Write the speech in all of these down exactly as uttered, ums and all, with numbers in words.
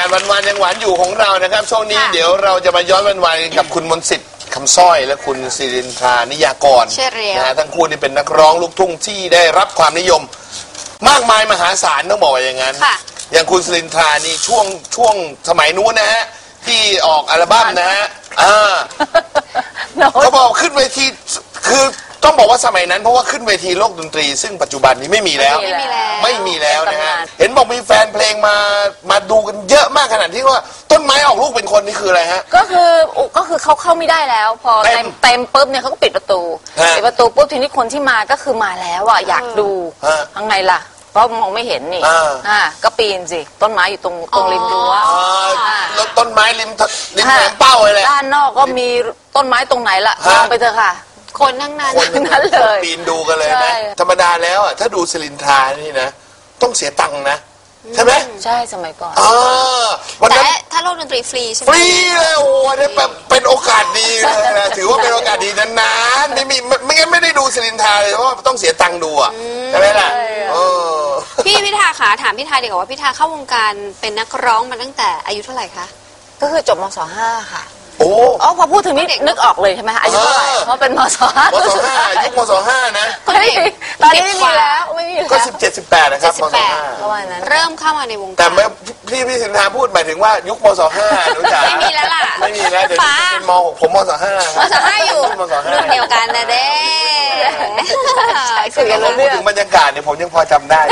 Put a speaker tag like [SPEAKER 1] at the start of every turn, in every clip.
[SPEAKER 1] วันๆยังหวานอยู่ของเรานะครับช่วงนี้เดี๋ยวเราจะมาย้อนวันๆกับคุณมนต์สิทธิ์คำสร้อยและคุณศิรินทรานิยากรนะฮะทั้งคู่นี่เป็นนักร้องลูกทุ่งที่ได้รับความนิยมมากมายมหาศาลต้องบอกอย่างนั้นอย่างคุณศิรินทรานี่ช่วงช่วงสมัยนู้นนะฮะที่ออกอัลบั้มนะฮะอ่าเขาบอกขึ้นเวทีคือต้องบอกว่าสมัยนั้นเพราะว่าขึ้นเวทีโลกดนตรีซึ่งปัจจุบันนี้ไม่มีแล้วไม่มีแล้วนะฮะเห็นบอกมีแฟนเพลงมามาดูกันเยอะมากขนาดที่ว่าต้นไม้ออกลูกเป็นคนนี่คืออะไรฮะ
[SPEAKER 2] ก็คือก็คือเขาเข้าไม่ได้แล้วพอเต็มเต็มปุ๊บเนี่ยเขาก็ปิดประตูปิดประตูปุ๊บทีนี้คนที่มาก็คือมาแล้วอ่ะอยากดูทั้งไงล่ะเพราะมองไม่เห็นนี่อ่าก็ปีนสิต้นไม้อยู่ตรงตรงริมรั้ว
[SPEAKER 1] แล้วต้นไม้ริมริมแหลมเป้าเลย
[SPEAKER 2] ด้านนอกก็มีต้นไม้ตรงไหนล่ะมองไปเถอะค่ะคนทั้งนั้น
[SPEAKER 1] คนนั้นเลยปีนดูกันเลยนะธรรมดาแล้วอ่ะถ้าดูศิรินทรานี่นะต้องเสียตังค์นะใช่ไหม
[SPEAKER 2] ใช่สมัยก่อน
[SPEAKER 3] แต่ถ้าโลกดนตรีฟรีใช่ไหม
[SPEAKER 1] ฟรีเลยโอ้โหนี่เป็นโอกาสดีเลยนะถือว่าเป็นโอกาสดีนานๆไม่มีไม่งั้นไม่ได้ดูศิรินทราเลยเพราะว่าต้องเสียตังค์ดูอ่ะใช่ไหมล่ะ
[SPEAKER 3] พี่พิธาขาถามพี่ทาดีกว่าว่าพิธาเข้าวงการเป็นนักร้องมาตั้งแต่อายุเท่าไหร่คะ
[SPEAKER 2] ก็คือจบมศห้าค่ะ
[SPEAKER 1] โอ้
[SPEAKER 2] อ๋อพอพูดถึงนี่นึกออกเลยใช่ไหมอายุเท่าไหร่เพราะเป็นมศห้าม
[SPEAKER 1] ศห้ายุคมศห้านะ
[SPEAKER 2] ตอนนี้ไม่มีแล้วไม่มีแล้ว
[SPEAKER 1] ก็สิบเจ็ดสิบแปดนะครับมศห้า
[SPEAKER 2] ประมาณนั้น
[SPEAKER 3] เริ่มเข้ามาในวงการ
[SPEAKER 1] แต่เมื่อพี่พี่สินทาพูดหมายถึงว่ายุคมศห้ารู้จัก
[SPEAKER 3] ไม่มีแล้วล่ะ
[SPEAKER 1] ไม่มีแล้วเดี๋ยวเป็นมหกผมมศห้าม
[SPEAKER 3] ศห้าอยู่รุ่นเดียวกันนะเด้
[SPEAKER 1] คือเราพูดถึงบรรยากาศเนี่ยผมยังพอจำได้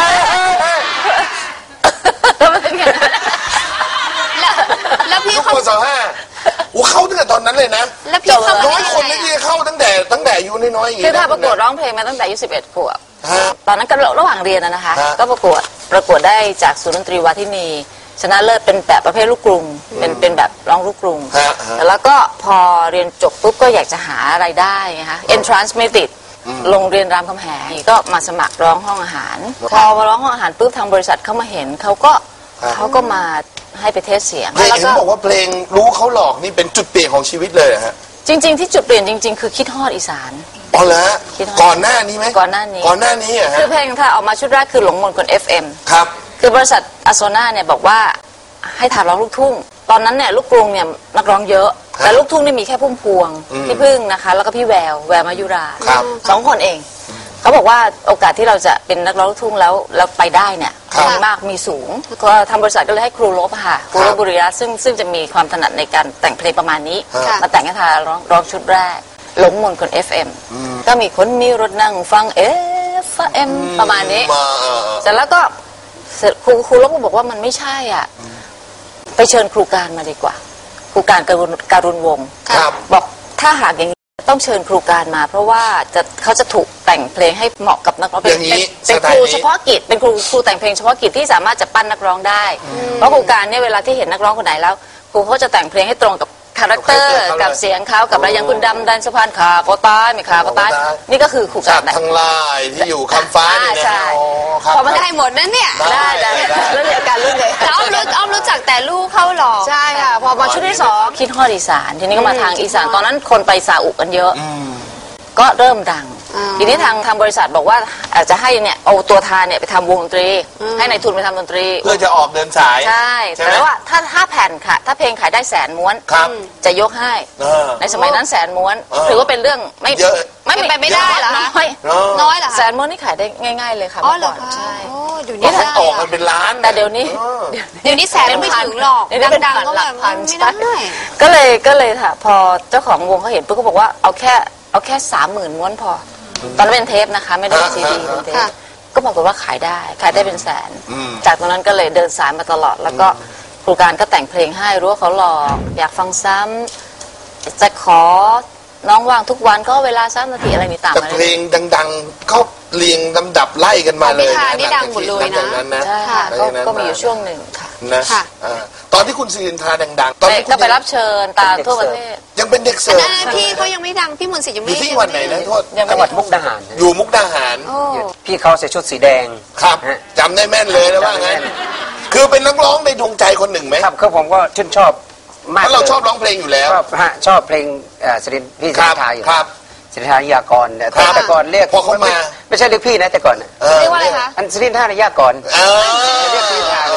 [SPEAKER 3] แล้วพี่
[SPEAKER 1] ยุคมศห้าโอ้เข้าตั้งแต่ตอนนั้นเลยนะ
[SPEAKER 3] แล้วพี่เข้า
[SPEAKER 1] น้อยคนที่เข้าตั้งแต่ตั้งแต่อายุน้อยๆอย่างนี้
[SPEAKER 2] คือถ้าประกวดร้องเพลงมาตั้งแต่อายุสิบเอ็ดขวบตอนนั้นก็ระหว่างเรียนนะคะก็ประกวดประกวดได้จากศูนย์ดนตรีวาทินีชนะเลิศเป็นแบบประเภทลูกกรุงเป็นเป็นแบบร้องลูกกรุงแล้วก็พอเรียนจบปุ๊บก็อยากจะหารายได้ไงคะ entrance ไม่ติดโรงเรียนรามคำแหงก็มาสมัครร้องห้องอาหารพอมาร้องห้องอาหารปุ๊บทางบริษัทเขามาเห็นเขาก็เขาก็มาให้ไปเทสเสียง
[SPEAKER 1] เพลงเห็นบอกว่าเพลงรู้เขาหลอกนี่เป็นจุดเปลี่ยนของชีวิตเลยฮะ
[SPEAKER 2] จริงๆที่จุดเปลี่ยนจริงๆคือคิดฮอดอีสาน
[SPEAKER 1] อ๋อเหรอก่อนหน้านี้ไหม
[SPEAKER 2] ก่อนหน้านี้
[SPEAKER 1] ก่อนหน้านี้อ่ะ
[SPEAKER 2] คือเพลงถ้าออกมาชุดแรกคือหลงมนต์คน เอฟ เอ็ม
[SPEAKER 1] ครับ
[SPEAKER 2] คือบริษัทอโซนาเนี่ยบอกว่าให้ทำร้องลูกทุ่งตอนนั้นเนี่ยลูกกรุงเนี่ยนักร้องเยอะแต่ลูกทุ่งนี่มีแค่พุ่มพวงพี่พึ่งนะคะแล้วก็พี่แววแววมายุราสองคนเองเขาบอกว่าโอกาสที่เราจะเป็นนักร้องลูกทุ่งแล้วแล้วไปได้เนี่ยมีมากมีสูงก็ทางบริษัทก็เลยให้ครูลบค่ะครูลบบุริยะซึ่งซึ่งจะมีความถนัดในการแต่งเพลงประมาณนี้มาแต่งให้ทาร้องร้องชุดแรกหลงมนต์คน เอฟ เอ็ม ก็มีคนมีรถนั่งฟัง เอฟ เอ็ม ประมาณนี้เสร็จแล้วก็ครูครูลบก็บอกว่ามันไม่ใช่อ่ะไปเชิญครูการมาดีกว่าครูการการุณการุณวงศ์บอกถ้าหากอย่างนี้ต้องเชิญครูการมาเพราะว่าจะเขาจะถูกแต่งเพลงให้เหมาะกับนักร้องเป็นเป็นครูเฉพาะกิจเป็นครูครูแต่งเพลงเฉพาะกิจที่สามารถจะปั้นนักร้องได้เพราะครูการเนี่ยเวลาที่เห็นนักร้องคนไหนแล้วครูเขาจะแต่งเพลงให้ตรงกับคาแรคเตอร์กับเสียงเขากับอะไรอย่างคุณดำดันสะพานขาก็ตายไม่ขาก็ตายนี่ก็คือครูการ
[SPEAKER 1] ทั้งลายที่อยู่คำฟ้านี่นะ
[SPEAKER 3] พอมันได้หมดนั่นเนี่ย
[SPEAKER 2] ได้ได้เรื่องเดียวกันเรื่องเดียว
[SPEAKER 3] อ้อมรู้อ้อมรู้จักแต่ลูกเข้าหลอก
[SPEAKER 2] ใช่ค่ะพอมาชุดที่สองคิดฮอดอีสานทีนี้ก็มาทางอีสานตอนนั้นคนไปซาอุกันเยอะก็เริ่มดังทีนี้ทางทางบริษัทบอกว่าอาจจะให้เนี่ยเอาตัวทานเนี่ยไปทำวงดนตรีให้ในทุนไปทำดนตรี
[SPEAKER 1] เพื่อจะออกเดินสาย
[SPEAKER 2] ใช่แต่ว่าถ้าถ้าแผ่นค่ะถ้าเพลงขายได้แสนม้วนจะยกให้ในสมัยนั้นแสนม้วนถือว่าเป็นเรื่องไม่
[SPEAKER 1] เยอะ
[SPEAKER 3] ไม่เป็นไปไม่ได้เหรอคะน้อยเหรอ
[SPEAKER 2] แสนม้วนนี่ขายได้ง่ายๆเลยค่ะ
[SPEAKER 3] อ๋อเหรอใช่
[SPEAKER 1] เดี๋ยวนี้ออกกันเป็นล้าน
[SPEAKER 2] แต่เดี๋ยวนี้
[SPEAKER 3] เดี๋ยวนี้แสนไม่ถึงหรอกดังๆก็แบบไม่ได้
[SPEAKER 2] ก็เลยก็เลยค่ะพอเจ้าของวงเขาเห็นปุ๊บก็บอกว่าเอาแค่เอาแค่สามหมื่นม้วนพอตอนนั้นเป็นเทปนะคะไม่ได้เป็นซีดีเป็นเทปก็บอกว่าขายได้ขายได้เป็นแสนจากตรงนั้นก็เลยเดินสายมาตลอดแล้วก็ครูการก็แต่งเพลงให้รู้ว่าเขาหลอกอยากฟังซ้ำจะขอน้องว่างทุกวันก็เวลาสามนาทีอะไรนี่ต่าง
[SPEAKER 1] แต่เพลงดังๆเขาเรียงลำดับไล่กันมาเลย
[SPEAKER 3] นะนี่ดังหมดเลย
[SPEAKER 2] นะใช่ค่ะก็มีอยู่ช่วงหนึ่งค่ะ
[SPEAKER 1] นะตอนที่คุณศิรินทราดังๆตอนนี้
[SPEAKER 2] ก็ไปรับเชิญตามทั่วประเทศ
[SPEAKER 1] ยังเป็นเด็กเสิร์ฟ
[SPEAKER 3] พี่เขายังไม่ดังพี่มนต์สิทธิ์ยังไม่
[SPEAKER 1] อยู่ที่วันไหนนะโทษ
[SPEAKER 4] จังหวัดมุกดาหาร
[SPEAKER 1] อยู่มุกดาหาร
[SPEAKER 4] พี่เขาใส่ชุดสีแดง
[SPEAKER 1] ครับจำได้แม่นเลยแล้วว่างั้นคือเป็นนักร้องในดวงใจคนหนึ่งไหม
[SPEAKER 4] ครับคือผมก็ชื่นชอบ
[SPEAKER 1] มากเพราะเราชอบร้องเพลงอยู่แล้ว
[SPEAKER 4] ชอบฮะชอบเพลงศิรินพี่ศิรินทราอยู่
[SPEAKER 1] ครับ
[SPEAKER 4] ศิรินทรายากรเนี่ยแต่ก่อนเรียก
[SPEAKER 1] พอเขามา
[SPEAKER 4] ไม่ใช่เรียกพี่นะแต่ก่อน
[SPEAKER 3] เรียกว่าอะไรคะ
[SPEAKER 4] อันศิรินทรายากรเรียกพี่ทาเลย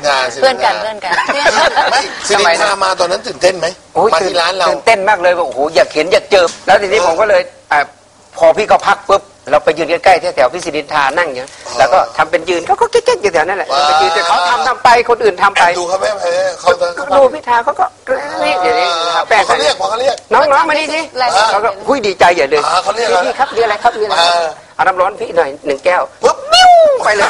[SPEAKER 1] ทรา
[SPEAKER 2] เพื่อนกันเพื่อนกัน
[SPEAKER 1] ไม่สิรินทรามาตอนนั้นตื่นเต้นไหมมาที่ร้านเรา
[SPEAKER 4] ตื่นเต้นมากเลยว่าโอ้โหอยากเห็นอยากเจอแล้วทีนี้ผมก็เลยพอพี่เขาพักปุ๊บเราไปยืนใกล้ๆแถวๆพี่สิรินทรานั่งอย่างแล้วก็ทำเป็นยืนเขาก็เก๊กๆอยู่แถวนั่นแหละไปยืนแต่เขาทำทำไปคนอื่นทำไป
[SPEAKER 1] ดูเขาไม่เขา
[SPEAKER 4] ดูพิธาเขาก็นี่อย่างนี้
[SPEAKER 1] แปลกเขาเรียกพอเขาเรียก
[SPEAKER 4] น้องๆมานี่สิเขาก็หุ้ยดีใจใหญ่เลย
[SPEAKER 1] เขาเรียก
[SPEAKER 4] พี่ครับมีอะไรครับมีอะไรเอาน้ำร้อนพี่หน่อยหนึ่งแก้วปุ๊บมิ้วไปเลย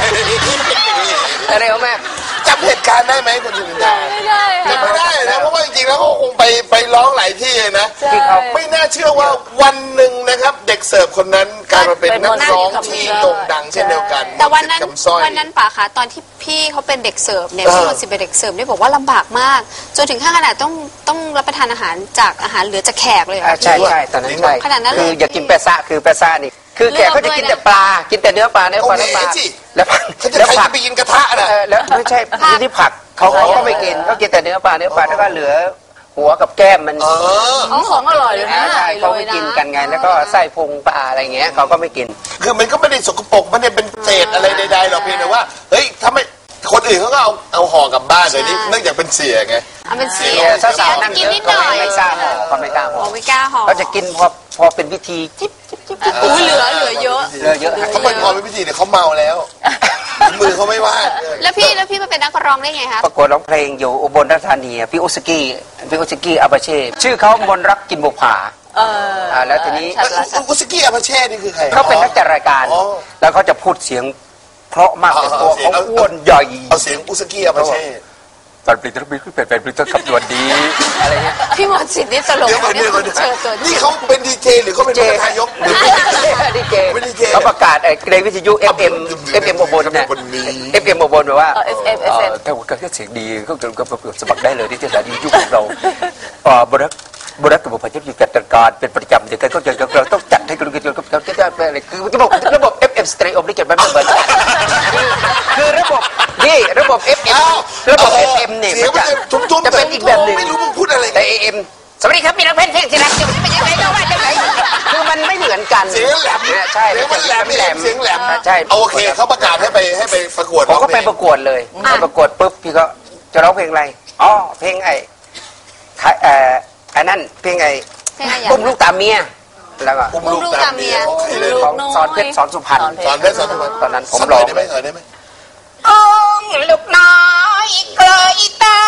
[SPEAKER 4] อะไรเอาแม่
[SPEAKER 1] จำเหตุการณ์ได้ไหมคุณสิรินทรา
[SPEAKER 2] ไม่ได้
[SPEAKER 1] จำไม่ได้นะเพราะว่าจริงๆแล้วเขาคงไปไปร้องหลายที่นะ
[SPEAKER 4] ที่เขา
[SPEAKER 1] ไม่น่าเชื่อว่าวันหนึ่งนะครับเด็กเสิร์ฟคนนั้นกลายมาเป็นนักร้องที่โด่งดังเช่นเดียวกัน
[SPEAKER 3] แต่วันนั้นวันนั้นป่าคะตอนที่พี่เขาเป็นเด็กเสิร์ฟเนี่ยพี่มนต์สิทธิ์เป็นเด็กเสิร์ฟเนี่ยบอกว่าลำบากมากจนถึงขั้นขนาดต้องต้องรับประทานอาหารจากอาหารเหลือจากแขกเลย
[SPEAKER 4] ใช่ใช่ตอนนั้นใช่
[SPEAKER 3] ขนาดนั้นเลย
[SPEAKER 4] คืออยากกินแปะซะคือแปะซะนี่คือแกเขาจะกินแต่ปลากินแต่เนื้อปลาเนื้อปลาเนื้อปลาแล้ว
[SPEAKER 1] แล้วผักไปกินกระทะนะ
[SPEAKER 4] แล้วไม่ใช่ที่ผักเขาเขาก็ไม่กินเขากินแต่เนื้อปลาเนื้อปลาแล้วก็เหลือหัวกับแก้มมัน
[SPEAKER 2] ของของอร่อยเลยนะ
[SPEAKER 4] ใช่เขาไม่กินกันไงแล้วก็ไส้พุงปลาอะไรเงี้ยเขาก็ไม่กิน
[SPEAKER 1] คือมันก็ไม่ได้สกปรกไม่ได้เป็นเศษอะไรใดๆหรอกเพียงแต่ว่าเฮ้ยถ้าไม่คนอื่นเขาก็เอาเอาห่อกลับบ้านเลยนี่เนื่องจากเป็นเสียไง
[SPEAKER 3] เอาเป็นเสีย
[SPEAKER 4] สาวๆนั่งกินนิดหน่อยไม่กล้าห่อก็ไม่กล้าห่อ
[SPEAKER 3] ไม่กล้าห่อ
[SPEAKER 4] เขาจะกินพอพอเป็นพิธีจิ๊บจิ๊บจิ๊บ
[SPEAKER 3] อุ้ยเหลือเหลือเยอะ
[SPEAKER 4] เหลือเยอะ
[SPEAKER 1] เขาเป็นพอเป็นพิธีเนี่ยเขาเมาแล้วมือเขาไม่ว่าง
[SPEAKER 3] แล้วพี่แล้วพี่มาเป็นนักร้องได้ไงคะ
[SPEAKER 4] ประกวดร้องเพลงอยู่อุบลราชธานีพี่อุสกี้พี่อุสกี้อาบาเช่ชื่อเขามนรักกินบุผา
[SPEAKER 2] เออ
[SPEAKER 4] แล้วทีนี้
[SPEAKER 1] อุสกี้อาบาเช่นี่คือใคร
[SPEAKER 4] เขาเป็นนักจัดรายการแล้วเขาจะพูดเสียงเพราะมากแต่ตัวเขาอ้วนใหญ่
[SPEAKER 1] เอาเสียงอุสกี้อาบาเช่
[SPEAKER 4] ตอนปลิตรบิขึ้นเป็นเป็นปลิตรขับด่วนดีอะไรเงี้ย
[SPEAKER 3] พี่มนต์สิทธิ์นี่ตลกเนี่ยเชิญตัว
[SPEAKER 1] นี่เขาเป็นดีเจหรือเขาเป็นประธานยกหรือ
[SPEAKER 4] ดีเจเขาประกาศไอ้ในวิทยุ เอฟ เอ็ม เอฟ เอ็ม อุบลเนี่ย เอฟ เอ็ม อุบลแบบว่า
[SPEAKER 2] เอฟ เอ็ม เอฟ เอ็ม
[SPEAKER 4] ถ้าว่าการเสียงดีก็ก็สมัครได้เลยที่สถานียุคของเราบริษัทบริษัทกับบุพเพอยู่จัดการเป็นประจำเดี๋ยวก็จะเราต้องจัดให้กันกันกันกันจะเป็นอะไรคือระบบระบบ เอฟ เอ็ม Stereo นี่เกิดมาไม่เหมือนคือระบบนี่ระบบ เอฟ เอ็ม ระบบ เอฟ เอ็ม เนี่ยจะเป็นอีกแบบหนึ่ง
[SPEAKER 1] ไม่รู้มึงพูดอะไร
[SPEAKER 4] แต่ เอ เอ็ม สวัสดีครับมีนักเพลงเพลงที่รักจะเป็นยังไงก็ว่าจะไหนคือมันไม่เหมือนกัน
[SPEAKER 1] เสียงแหลม
[SPEAKER 4] ใช่
[SPEAKER 1] เสียงมันแหลมแหลมเสียงแหลม
[SPEAKER 4] ใช่
[SPEAKER 1] โอเคเขาประกาศให้ไปให้ไปประกวด
[SPEAKER 4] ผมก็ไปประกวดเลยไปประกวดปุ๊บพี่ก็จะร้องเพลงอะไรอ๋อเพลงไอ้เอ่ออันนั้นเพลงไอ้ปุ้มลูกตาเมียแล้วก็
[SPEAKER 1] ปุ้มลูกตาเมีย
[SPEAKER 4] ของสอนเพชรสอนสุพรรณ
[SPEAKER 1] สอนเพชรสอนสุพรรณ
[SPEAKER 4] ตอนนั้นผมร้อง
[SPEAKER 1] ได้ไหมเออได้ไหม
[SPEAKER 4] องลูกน้อยเกลยตา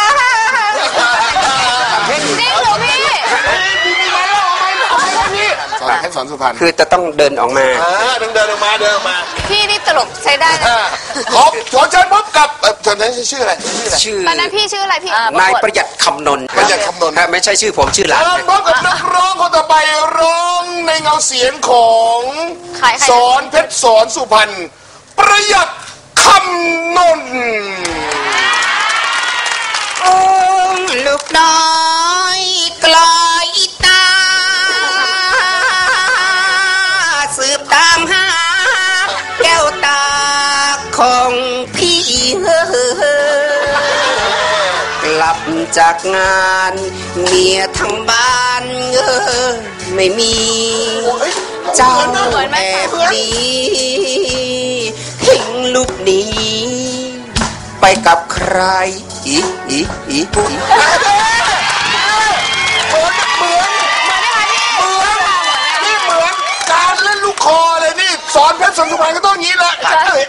[SPEAKER 3] จริงเหรอพี่
[SPEAKER 1] สอนเพชรสอนสุพรรณ
[SPEAKER 4] คือจะต้องเดินออกมา
[SPEAKER 1] ต้องเดินออกมาเดินออกมา
[SPEAKER 3] พี่นี่ตลกใช้ได้นะ
[SPEAKER 1] ขอขอเชิญพบกับเชิญนั้นชื่ออะไร
[SPEAKER 4] ชื่อ
[SPEAKER 3] ตอนนั้นพี่ชื่ออะไรพี่
[SPEAKER 4] นายประหยัดคำนนท์
[SPEAKER 1] ประหยัดคำนนท์
[SPEAKER 4] ไม่ใช่ชื่อผมชื่อหลาน
[SPEAKER 1] พบกับนักร้องคนต่อไปร้องในเงาเสียงของสอนเพชรสอนสุพรรณประหยัดคำนนท์
[SPEAKER 4] ลูกน้อยกลอยตาสืบตามหาแก้วตาของพี่กลับจากงานเมียทั้งบ้านเออไม่มีเจ้าแอบดีทิ้งลูกนี้ไปกับใครอีอีอีอี
[SPEAKER 1] เหมือนเหมือนเหมือนนี่เหมือนการเล่นลูกคอเลยนี่สอนเพชรสอนสุพรรณก็ต้องงี้แหละ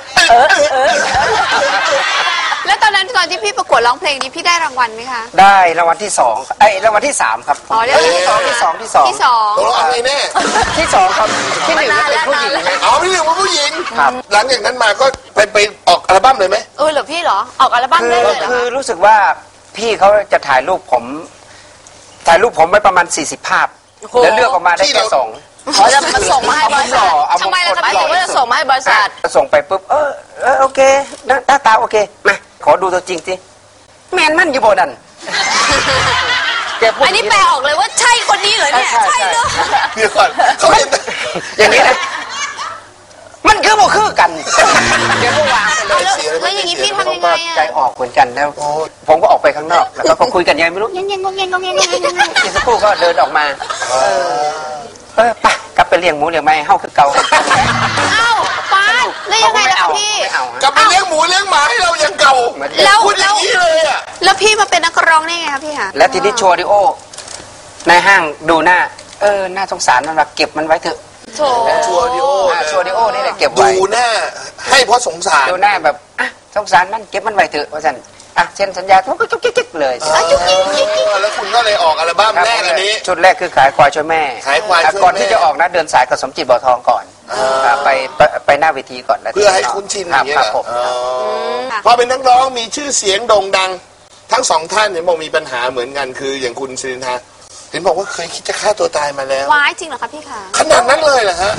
[SPEAKER 3] แล้วตอนนั้นตอนที่พี่ประกวดร้องเพลงนี้พี่ได้รางวัลไหมคะ
[SPEAKER 4] ได้รางวัลที่สองไอ้รางวัลที่สามครับ
[SPEAKER 3] อ๋อรางวัลที่สอง
[SPEAKER 4] ที่สองที่สอง
[SPEAKER 3] ที่สอง
[SPEAKER 1] ตัวอะไรแน่
[SPEAKER 4] ที่สองครับที่หนึ่งเป็นผู้หญิง
[SPEAKER 1] อ๋อที่หนึ่งเป็นผู้หญิงครับหลังจากนั้นมาก็ไปไปออกอัลบั้มเลยไหม
[SPEAKER 3] เออเหรอพี่เหรอออกอัลบั้มได้เลยเหรอ
[SPEAKER 4] คือรู้สึกว่าพี่เขาจะถ่ายรูปผมถ่ายรูปผมไว้ประมาณสี่สิบภาพแล้วเลือกออกมาได้แค่สอง
[SPEAKER 2] อ๋อจะมาส่งมาให้บริษัท
[SPEAKER 3] ทำไมล่ะครับ
[SPEAKER 2] พี่ว่าจะส่งมาให้บริษัท
[SPEAKER 4] ส่งไปปุ๊บเออเออโอเคหน้าตาโอเคมาขอดูตัวจริงสิแมนมั่นอยู่บนนั้น
[SPEAKER 3] อันนี้แปลออกเลยว่าใช่คนนี้เหรอเนี่ยใช่เนอะ
[SPEAKER 1] เดี๋ยวก่อนเขา
[SPEAKER 4] อย่างนี้นะมันคือโมคือกันเดี๋ยวก็วางไปเลย
[SPEAKER 3] แล้วอย่างนี้พี่ทำยังไงอ่ะ
[SPEAKER 4] ใจออกเหมือนกันแล้วผมก็ออกไปข้างนอกแล้วก็คุยกันยังไม่รู้ยังยังงงยังงงยังยังอีกสักครู่ก็เดินออกมาเออไปกลับไปเลี้ยงหมูเลี้ยงไม้เฮาคือเก่า
[SPEAKER 3] เอ้าป้าแล้วแล้วยังไงล่ะคะพี่
[SPEAKER 4] ไม่เอา
[SPEAKER 1] กลับไปเลี้ยงหมูเลี้ยงหมาให้เรายังเก่า
[SPEAKER 3] แล้ว
[SPEAKER 1] พูดอย่างนี้เลยอ่ะ
[SPEAKER 3] แล้วพี่มาเป็นนักร้องได้ไงคะพี่คะ
[SPEAKER 4] แล้วทีนี้โชว์ดิโอในห้างดูหน้าเออน่าสงสารมันว่าเก็บมันไว้เถอะ
[SPEAKER 3] โถ
[SPEAKER 1] ชัวร์ดิโอ
[SPEAKER 4] อ่าโชว์ดิโอนี่แหละเก็บไว้
[SPEAKER 1] ดูหน้าให้เพราะสงสาร
[SPEAKER 4] ดูหน้าแบบอ่ะสงสารมันเก็บมันไว้เถอะว่าฉันอ่ะเซ็นสัญญาทุกทุกกิ๊กเลย
[SPEAKER 1] เออแล้วคุณก็เลยออกอัลบั้มแรกอันนี้
[SPEAKER 4] ชุดแรกคือขายควายช่วยแม่
[SPEAKER 1] ขายควายช่วยแม่
[SPEAKER 4] ก่อนที่จะออกนะเดินสายกับสมจิตบ่อทองก่อนอ่าไปไปไปหน้าเวทีก่อนแล้ว
[SPEAKER 1] เพื่อให้คุ้นชินอย่างเงี้ย
[SPEAKER 4] ค
[SPEAKER 1] เห
[SPEAKER 4] รั
[SPEAKER 1] ร
[SPEAKER 4] บผม
[SPEAKER 1] ออ๋อพอเป็นนักร้องมีชื่อเสียงโด่งดัง ทั้งสองท่านเนี่ยบอกมีปัญหาเหมือนกันคืออย่างคุณสิรินทราเห็นบอกว่าเคยคิดจะฆ่าตัวตายมาแล้ว
[SPEAKER 3] ว้ายจริงเหรอคะพี่คะ
[SPEAKER 1] ขนาดนั้นเลยเหรอฮะ